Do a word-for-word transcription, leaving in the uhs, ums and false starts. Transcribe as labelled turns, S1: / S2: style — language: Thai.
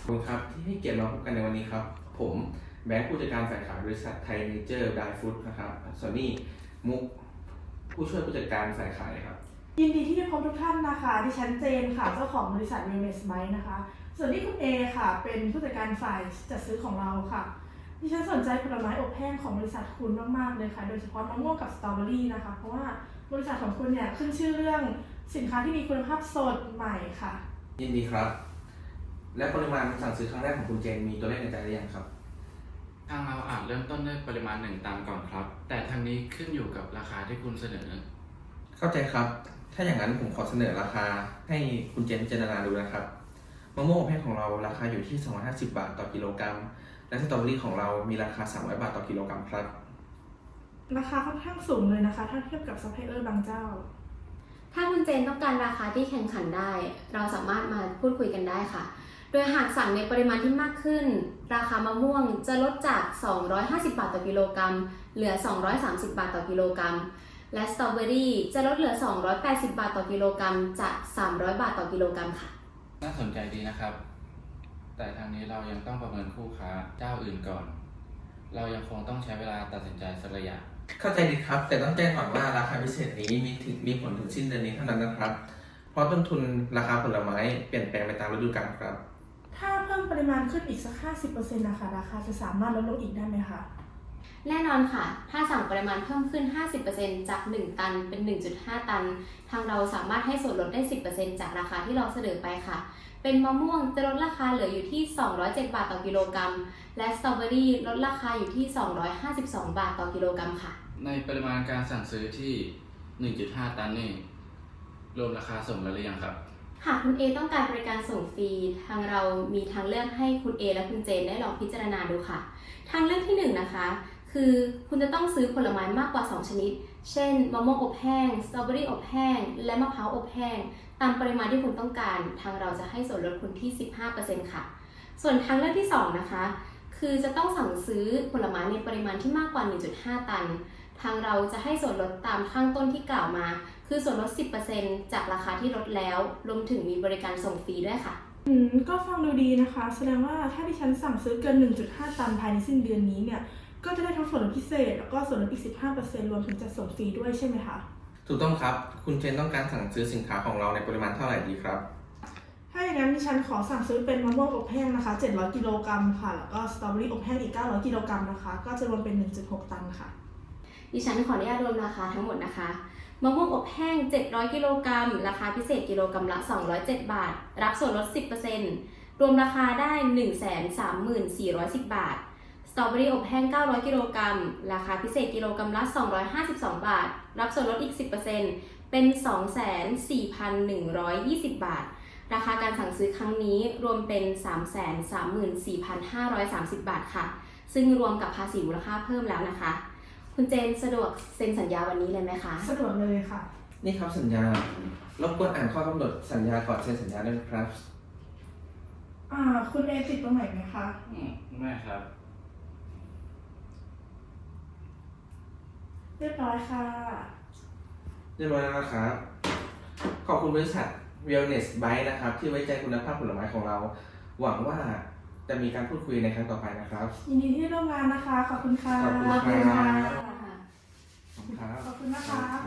S1: ขอบคุณครับที่ให้เกียรติมาพบกันในวันนี้ครับผมแบงค์ผู้จัดการฝ่ายขายบริษัทไทยเนเจอร์ไดฟู้ดนะครับส่วนนี้มุกผู้ช่วยผู้จัดการฝ่ายขายครับ
S2: ยินดีที่ได้พบทุกท่านนะคะดิฉันเจนค่ะเจ้าของบริษัท Wellness Bite นะคะส่วนนี้คุณเอค่ะเป็นผู้จัดการฝ่ายจัดซื้อของเราค่ะดิฉันสนใจผลไม้อบแห้งของบริษัทคุณมากๆเลยค่ะโดยเฉพาะมะม่วงกับสตรอเบอรี่นะคะเพราะว่าบริษัทของคุณเนี่ยขึ้นชื่อเรื่องสินค้าที่มีคุณภาพสดใหม่ค่ะ
S1: ยินดีครับและปริมาณสั่งซื้อครั้งแรกของคุณเจนมีตัวเลขในใจหรือยังครับ
S3: ทางเราอาจเริ่มต้นด้วยปริมาณหนึ่งตันก่อนครับแต่ทางนี้ขึ้นอยู่กับราคาที่คุณเสนอ
S1: เข้าใจครับถ้าอย่างนั้นผมขอเสนอราคาให้คุณเจนพิจารณาดูนะครับมะม่วงอบแห้งของเราราคาอยู่ที่สองร้อยห้าสิบบาทต่อกิโลกรัมและสตรอเบอรี่ของเรามีราคาสามร้อยบาทต่อกิโลกรัมครับ
S2: ราคาค่อนข้างสูงเลยนะคะถ้าเทียบกับซัพพลายเออร์บางเจ้า
S4: ถ้าคุณเจนต้องการราคาที่แข่งขันได้ เราสามารถมาพูดคุยกันได้ค่ะ โดยหากสั่งในปริมาณที่มากขึ้น ราคามะม่วงจะลดจาก สองร้อยห้าสิบบาทต่อกิโลกรัม เหลือ สองร้อยสามสิบบาทต่อกิโลกรัม และสตรอเบอรี่จะลดเหลือ สองร้อยแปดสิบบาทต่อกิโลกรัม จาก สามร้อยบาทต่อกิโลกรัมค่ะ
S3: น่าสนใจดีนะครับแต่ทางนี้เรายังต้องประเมินคู่ค้าเจ้าอื่นก่อน เรายังคงต้องใช้เวลาตัดสินใจสักระยะ
S1: เข้าใจดีครับแต่ต้องแจ้งก่อนว่าราคาพิเศษนี้มีถึงมีผลถึงสิ้นเดือนนี้เท่านั้นนะครับเพราะต้นทุนราคาผลไม้เปลี่ยนแปลงไปตามฤดูกาลครับ
S2: ถ้าเพิ่มปริมาณขึ้นอีกสัก ห้าสิบเปอร์เซ็นต์ นะคะราคาจะสามารถลดลงอีกได้ไหมคะ
S4: แน่นอนค่ะ ถ้าสั่งปริมาณเพิ่มขึ้น ห้าสิบเปอร์เซ็นต์ จาก หนึ่ง ตัน เป็น หนึ่งจุดห้า ตัน ทางเราสามารถให้ส่วนลดได้ สิบเปอร์เซ็นต์ จากราคาที่เราเสนอไปค่ะ เป็นมะม่วงจะลดราคาเหลืออยู่ที่ สองร้อยเจ็ดบาทต่อกิโลกรัม และสตรอเบอรี่ลดราคาอยู่ที่ สองร้อยห้าสิบสองบาทต่อกิโลกรัมค่ะ
S3: ในปริมาณการสั่งซื้อที่ หนึ่งจุดห้า ตันนี่รวมราคาส่งแล้วหรือยังครับ
S4: หากคุณ A ต้องการบริการส่งฟรี ทางเรามีทางเลือกให้คุณ A และคุณเจนได้ลองพิจารณาดูค่ะ ทางเลือกที่หนึ่งนะคะ คือคุณจะต้องซื้อผลไม้มากกว่าสองชนิด เช่นมะม่วงอบแห้ง สตรอเบอรี่อบแห้ง และมะพร้าวอบแห้ง ตามปริมาณที่คุณต้องการ ทางเราจะให้ส่วนลดคุณที่ สิบห้าเปอร์เซ็นต์ ค่ะ ส่วนทางเลือกที่สองนะคะ คือจะต้องสั่งซื้อผลไม้ในปริมาณที่มากกว่า หนึ่งจุดห้า ตัน ทางเราจะให้ส่วนลดตามข้างต้นที่กล่าวมา คือส่วนลด สิบเปอร์เซ็นต์ จากราคาที่ลดแล้ว รวมถึงมีบริการส่งฟรีด้วยค่ะ
S2: อืมก็ฟังดูดีนะคะ แสดงว่าถ้าดิฉันสั่งซื้อเกิน หนึ่งจุดห้า ตันภายในสิ้นเดือนนี้เนี่ย ก็จะได้ทั้งส่วนลดพิเศษแล้วก็ส่วนลดอีก สิบห้าเปอร์เซ็นต์ รวมถึงจัดส่งฟรีด้วยใช่ไหมคะ
S1: ถูกต้องครับคุณเจนต้องการสั่งซื้อสินค้าของเราในปริมาณเท่าไหร่ดีครับ
S2: ถ้าอย่างนั้นดิฉันขอสั่งซื้อเป็นมะม่วงอบแห้งนะคะเจ็ดร้อยกิโลกรัมค่ะแล้วก็สตรอเบอรี่อบแห้งอีกเก้าร้อยกิโลกรัมนะคะก็จะรวมเป็น หนึ่งจุดหก ตันค่ะ
S4: ดิฉันขออนุญาตรวมราคาทั้งหมดนะคะมะม่วงอบแห้งเจ็ดร้อยกิโลกรัมราคาพิเศษกิโลกรัมละสองร้อยเจ็ดบาทรับส่วนลด สิบเปอร์เซ็นต์ รวมราคาได้ หนึ่งแสนสามหมื่นสี่ร้อยสิบ บาทสตรอเบอรี่อบแห้งเก้าร้อยกิโลกรัมราคาพิเศษกิโลกรัมละสองร้อยห้าสิบสองบาทรับส่วนลดอีก สิบเปอร์เซ็นต์ เป็น สองแสนสี่พันหนึ่งร้อยยี่สิบ บาทราคาการสั่งซื้อครั้งนี้รวมเป็น สามแสนสามหมื่นสี่พันห้าร้อยสามสิบ บาทค่ะซึ่งรวมกับภาษีมูลค่าเพิ่มแล้วนะคะคุณเจนสะดวกเซ็นสัญญาวันนี้เลยไหมคะ
S2: สะดวกเลยค่ะ
S1: นี่ครับสัญญารบกวนอ่านข้อกำหนดสัญญาก่อนเซ็นสัญญาด้วยครับ
S2: อ่าคุณเอติดตรงไหนไหมคะ
S3: อืมไม่ครับ
S2: เรียบร้อยค่ะ
S1: เรียบร้อยแล้วนะครับขอบคุณบริษัท Wellness Bite นะครับที่ไว้ใจคุณภาพผลไม้ของเราหวังว่าจะมีการพูดคุยในครั้งต่อไปนะครับ
S2: ยินดีที่ได้ร่วมงานนะคะขอบคุณค่ะ
S1: ขอบคุณค่ะ
S2: ขอบคุณนะคะ